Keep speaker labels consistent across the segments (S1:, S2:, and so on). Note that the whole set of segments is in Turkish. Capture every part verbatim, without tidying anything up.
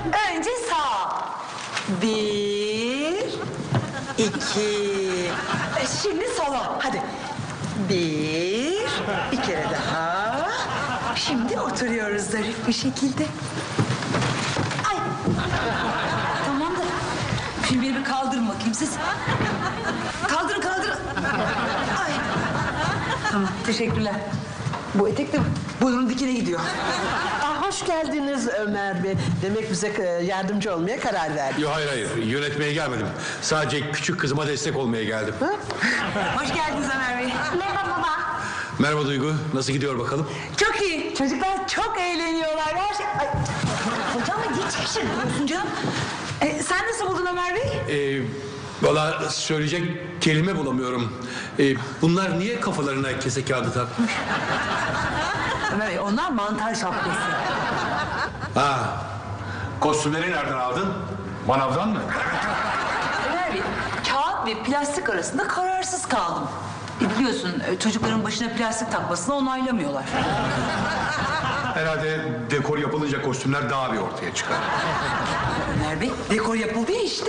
S1: Önce sağ. Bir, iki. E, Şimdi sola. Hadi. Bir, bir kere daha. Şimdi oturuyoruz zarif bir şekilde. Ay. Tamam da. Şimdi beni bir kaldırın bakayım siz. Kaldırın kaldırın. Ay. Tamam teşekkürler. Bu etek de burnun dikine gidiyor.
S2: Ah, hoş geldiniz Ömer Bey. Demek bize e, yardımcı olmaya karar verdiniz.
S3: Yok hayır hayır yönetmeye gelmedim. Sadece küçük kızıma destek olmaya geldim.
S2: Ha?
S1: Hoş geldiniz Ömer Bey.
S4: Merhaba baba.
S3: Merhaba Duygu, nasıl gidiyor bakalım?
S1: Çok iyi. Çocuklar çok eğleniyorlar. Her şey... Ay. Hocam niye şaşırıyorsun canım? E, sen nasıl buldun Ömer Bey?
S3: Ee, Valla söyleyecek kelime bulamıyorum. Ee, bunlar niye kafalarına kese kağıdı takmış?
S1: Ömer Bey onlar mantar şapkası.
S3: Ha, kostümleri nereden aldın? Manavdan mı?
S1: Ömer Bey kağıt ve plastik arasında kararsız kaldım. E, biliyorsun e, çocukların başına plastik takmasını onaylamıyorlar.
S3: Herhalde dekor yapılınca kostümler daha bir ortaya çıkar.
S1: Ömer Bey dekor yapıldı ya işte.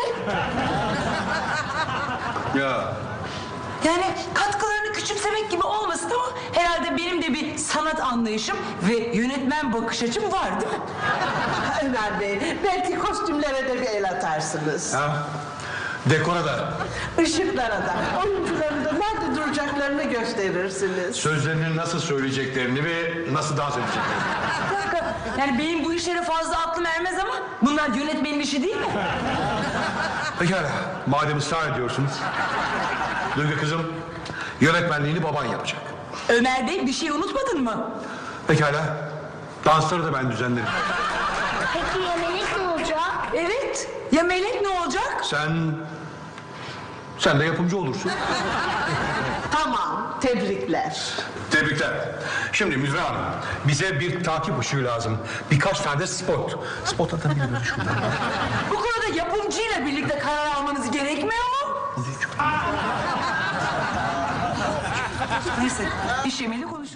S3: Ya
S1: Yani katkılarını küçümsemek gibi olmasın ama herhalde benim de bir sanat anlayışım ve yönetmen bakış açım var değil mi?
S2: Ömer Bey, belki kostümlere de bir el atarsınız.
S3: ha? Dekora da
S2: Işıklara da, oyuncuların da nerede duracaklarını gösterirsiniz.
S3: sözlerini nasıl söyleyeceklerini ve nasıl dans edeceklerini.
S1: Bir dakika yani benim bu işlere fazla aklım ermez ama bunlar yönetmenin işi değil mi?
S3: Pekala, madem ısrar ediyorsunuz. Duygu kızım, yönetmenliğini baban yapacak.
S1: Ömer Bey bir şey unutmadın mı?
S3: Pekala, dansları da ben düzenlerim.
S4: Peki ya Melek ne olacak?
S1: Evet. Ya Melek ne olacak?
S3: Sen... Sen de yapımcı olursun.
S2: Tamam, tebrikler.
S3: Tebrikler. Şimdi Müzra Hanım, bize bir takip ışığı lazım. Birkaç tane de spot. Spot atabiliriz şuradan.
S1: Bu konuda yapımcıyla birlikte karar almanız gerekmiyor mu? Neyse, iş yemeğini konuşalım.